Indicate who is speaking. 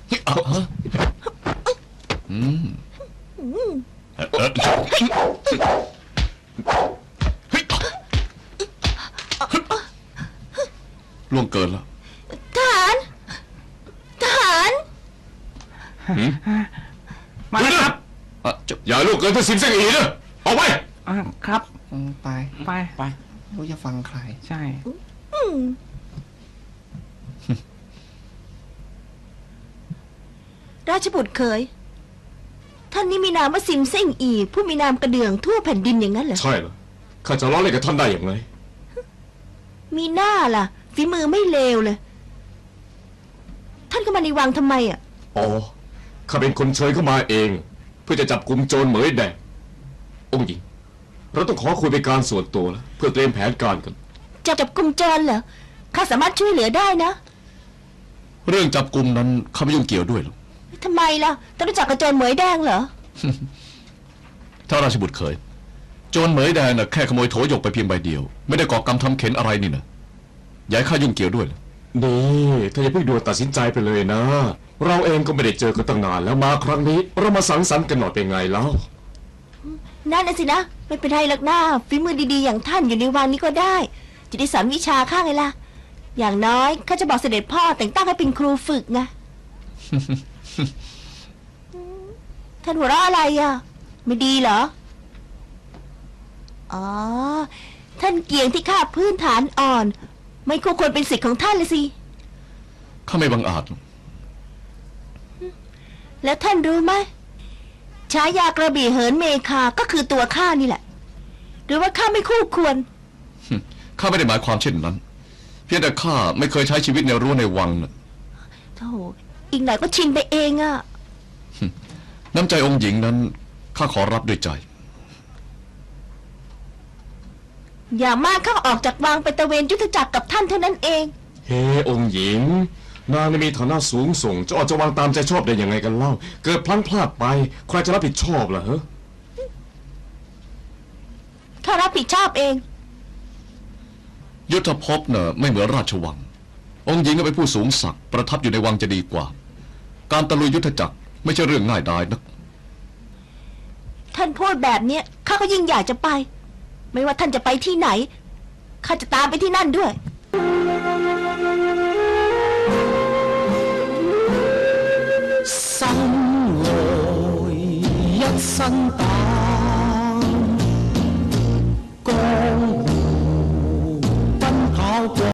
Speaker 1: ล่วงเกินแล้ว
Speaker 2: ทหาร
Speaker 3: มาแล้วครับ
Speaker 1: อย่าล่วงเกินที่สิงเสงอีนะออกไป
Speaker 3: ครับ
Speaker 4: ไปรู้จะฟังใคร
Speaker 3: ใช่
Speaker 2: ราชบุตรเคยท่านนี้มีนามว่าซิมเซ่งอีผู้มีนามกระเดื่องทั่วแผ่นดินอย่างนั้นเหรอ
Speaker 1: ใช่เหรอข้าจะล้อเล่นกับท่านได้อย่างไร
Speaker 2: มีหน้าล่ะฝีมือไม่เลวเลยท่านก็มาในวังทำไมอ่ะ
Speaker 1: อ๋อข้าเป็นคนเชิญเข้ามาเองเพื่อจะจับกุมโจรเหมยแดงองค์หญิงเราต้องขอคุยเป็นการส่วนตัวแล้วเพื่อเตรียมแผนการกัน
Speaker 2: จับกุมโจรเหรอข้าสามารถช่วยเหลือได้นะ
Speaker 1: เรื่องจับกุมนั้นข้าไม่ยุ่งเกี่ยวด้วยหรอก
Speaker 2: ทำไมล่ะท่านรู้จักกับโจรเหมยแดงเหรอ
Speaker 1: ถ้าราชบุตรเคยโจรเหมยแดงน่ะแค่ขโมยโถหยกไปเพียงใบเดียวไม่ได้ก่อกรรมทำเข็นอะไรนี่นะย้ายข้ายุ่งเกี่ยวด้วยนี่ถ้าอย่าเพิ่งด่วนตัดสินใจไปเลยนะเราเองก็ไม่ได้เจอกันตั้งนานแล้วมาครั้งนี้เรามาสังสรรค์กันหน่อยเป็นไงแล้ว
Speaker 2: นั่นน่ะสินะไม่เป็นไรหรอกหน้าฝีมือดีๆอย่างท่านอยู่ในวังนี้ก็ได้จะได้สอนวิชาข้าไงล่ะอย่างน้อยข้าจะบอกเสด็จพ่อแต่งตั้งให้เป็นครูฝึกไง ท่านหัวเราะอะไรอ่ะไม่ดีเหรออ๋อท่านเกียงที่ข้าพื้นฐานอ่อนไม่ควรเป็นสิทธิ์ของท่านเลยสิ
Speaker 1: ข้าไม่บังอาจ
Speaker 2: แล้วท่านรู้ไหมฉายากระบี่เหินเมฆาก็คือตัวข้านี่แหละหรือว่าข้าไม่คู่ควร
Speaker 1: ข้าไม่ได้หมายความเช่นนั้นเพียงแต่ข้าไม่เคยใช้ชีวิตในรั้วในวังนะ
Speaker 2: โธ่อีกหน่อยก็ชินไปเองอะ
Speaker 1: น้ำใจองค์หญิงนั้นข้าขอรับด้วยใจ
Speaker 2: อย่างมากข้าออกจากวังไปตะเวนยุทธจักรกับท่านเท่านั้นเอง
Speaker 1: เฮ้องค์หญิงนางมีฐานะสูงส่งจะออกจากวังตามใจชอบได้ยังไงกันเล่าเกิดพลั้งพลาดไปใครจะรับผิดชอบล่ะฮะ
Speaker 2: ข้ารับผิดชอบเอง
Speaker 1: ยุทธภพเน่ะไม่เหมือนราชวังองค์หญิงก็เป็นผู้สูงศักดิ์ประทับอยู่ในวังจะดีกว่าการตะลุยยุทธจักรไม่ใช่เรื่องง่ายดายนัก
Speaker 2: ท่านพูดแบบนี้ข้าก็ยิ่งอยากจะไปไม่ว่าท่านจะไปที่ไหนข้าจะตามไปที่นั่นด้วย
Speaker 4: 生來一身膽，江湖奔跑過。